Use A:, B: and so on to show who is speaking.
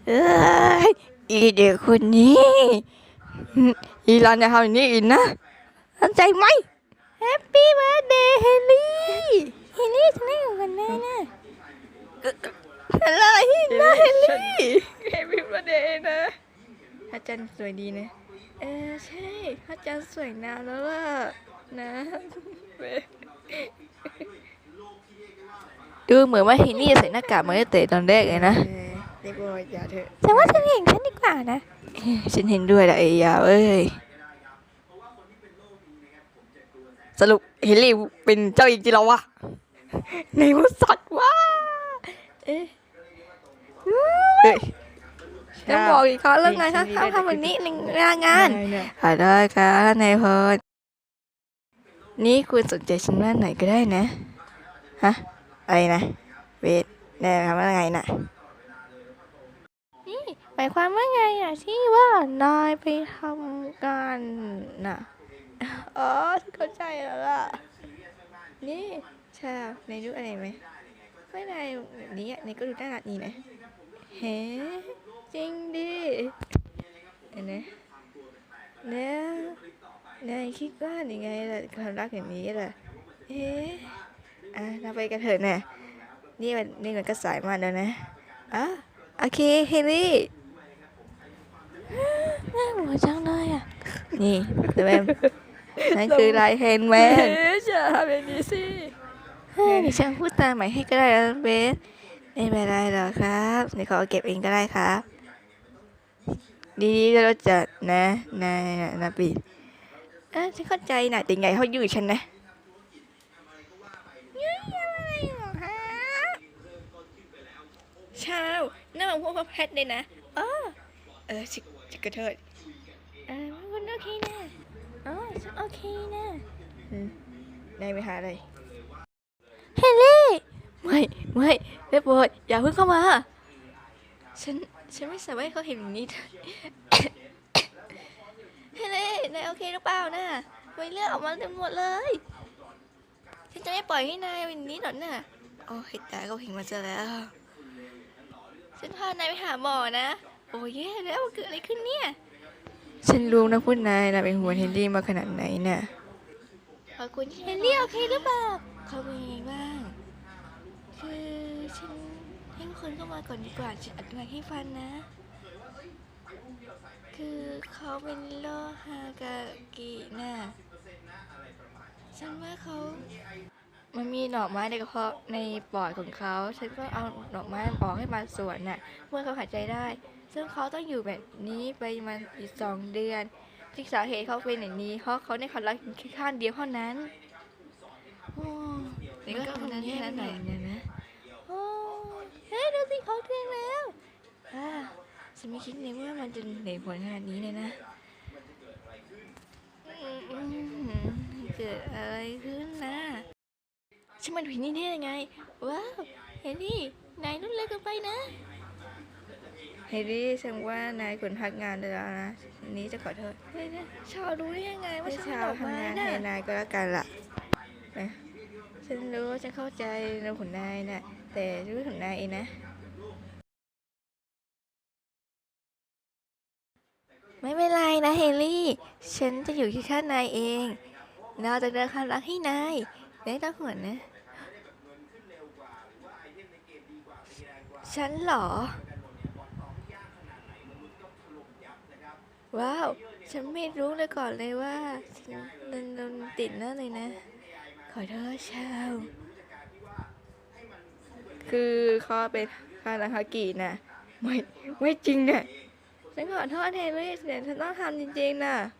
A: เอ้ยอีเด็กคนนี้อีรันจะทำอย่างนี้อีกนะเข้าใจไหมแฮปปี้เบิร์ดเดย์เฮลี่เฮลี่ฉันให้ของกันแน่นะอะไรนะเฮลี่แฮปปี้เบิร์ดเดย์นะพระจันทร์สวยดีนะใช่พระจันทร์สวยนานแล้วล่ะนะดูเหมือนว่าเฮนี่ใส่หน้ากากมาตั้งแต่ตอนแรกเลยนะเด็กบอยอย่าเถอะฉันว่าฉันเห็นฉันดีกว่านะฉันเห็นด้วยแหละไอ้ยาเอ้ยสรุปเฮลี่เป็นเจ้าหญิงจริงแล้ววะในมุสัตว์วะเอ๊ะจะบอกอีกครั้งแล้วไงคะห้ามทำแบบนี้ในงานได้ค่ะนายพลนี่คุณสนใจฉันว่าไหนก็ได้นะฮะอะไรนะเวทแน่ทำว่าไงน่ะนี่หมายความว่าไงอ่ะที่ว่านายไปทำการน่ะอ๋อเข้าใจแล้วล่ะนี่ชาในรู้อะไรไหมไม่นายแบบนี้ในก็ดูน่ารักดีนะเฮ้จริงดิเห็นไหมแล้วนายคิดว่ายังไงล่ะความรักอย่างนี้ล่ะเราไปกันเถอะนะนี่มันก็สายมากแล้วนะโอเคเฮลี่น่าหัวจังเลยอ่ะนี่เดี๋ยวแม่นั่นคือลายแฮนด์แมนจะทำแบบนี้สิดิฉันพูดตามใหม่ให้ก็ได้นะเบสไม่เป็นไรหรอกครับเดี๋ยวเขาเก็บเองก็ได้ครับดีๆเราจะนะปีฉันเข้าใจนะแต่ไงเขายืดฉันนะชาวน่ามาพวกแพทเลยนะชิกระเทิดมันโอเคนะฉันโอเคนะนายไปหาอะไรเฮลี่ไม่เรียบร้อยอย่าเพิ่งเข้ามาฉันไม่สามารถให้เขาเห็นอย่างนี้เฮลี่นายโอเคหรือเปล่านะไม่เลือดออกมาเต็มหมดเลยฉันจะไม่ปล่อยให้นายเป็นนี้หรอกนะโอ้ยตายเขาเห็นมาซะแล้วฉันพานายไปหาหมอนะโอ้ยแย่แล้วเกิดอะไรขึ้นเนี่ยฉันรู้นะคุณนายนะเป็นห่วงเฮนรี่มาขนาดไหนน่ะขอบคุณเฮนรี่โอเคหรือเปล่าเขาเป็นยังไงบ้างคือฉันให้คนเข้ามาก่อนดีกว่าฉันอธิบายให้ฟังนะคือเขาเป็นโรคฮากากิน่ะฉันว่ามันมีดอกไม้ในกระเพาะในปอดของเขาฉันก็เอาดอกไม้ออกให้มาส่วนน่ะเมื่อเขาหายใจได้ซึ่งเขาต้องอยู่แบบนี้ไปมาอีก2 เดือนที่สาเหตุเขาเป็นอย่างนี้เพราะเขาได้ความรักแค่ข้างเดียวเท่านั้นนี่ก็ทำนั้นแค่นั้นหน่อยนะเฮ้ยดูสิเขาเที่ยงแล้วฉันไม่คิดเลยว่ามันจะเหนื่อยผลขนาดนี้เลยนะเกิดอะไรขึ้นนะฉันมันผิดนี่ได้ยังไงว้าวเฮลี่นายนุ่นเล็กเกินไปนะเฮลี่ฉันว่านายควรพักงานเลยนะนี้จะขอโทษชาวรู้ได้ยังไงว่าชาวทำงานให้นายก็แล้วกันล่ะนะฉันรู้ฉันเข้าใจเรื่องของนายนะแต่รู้ของนายเองนะไม่เป็นไรนะเฮลี่ฉันจะอยู่ที่ข้างนายเองเราจะเดินความรักให้นายไม่ต้องห่วงนะฉันเหรอว้าวฉันไม่รู้เลยก่อนเลยว่าฉันโดนติดนั่นเลยนะขอโทษชาวคือเขาเป็นคานาฮากินะไม่จริงเนี่ยฉันขอโทษเฮลี่แต่ฉันต้องทำจริงๆนะ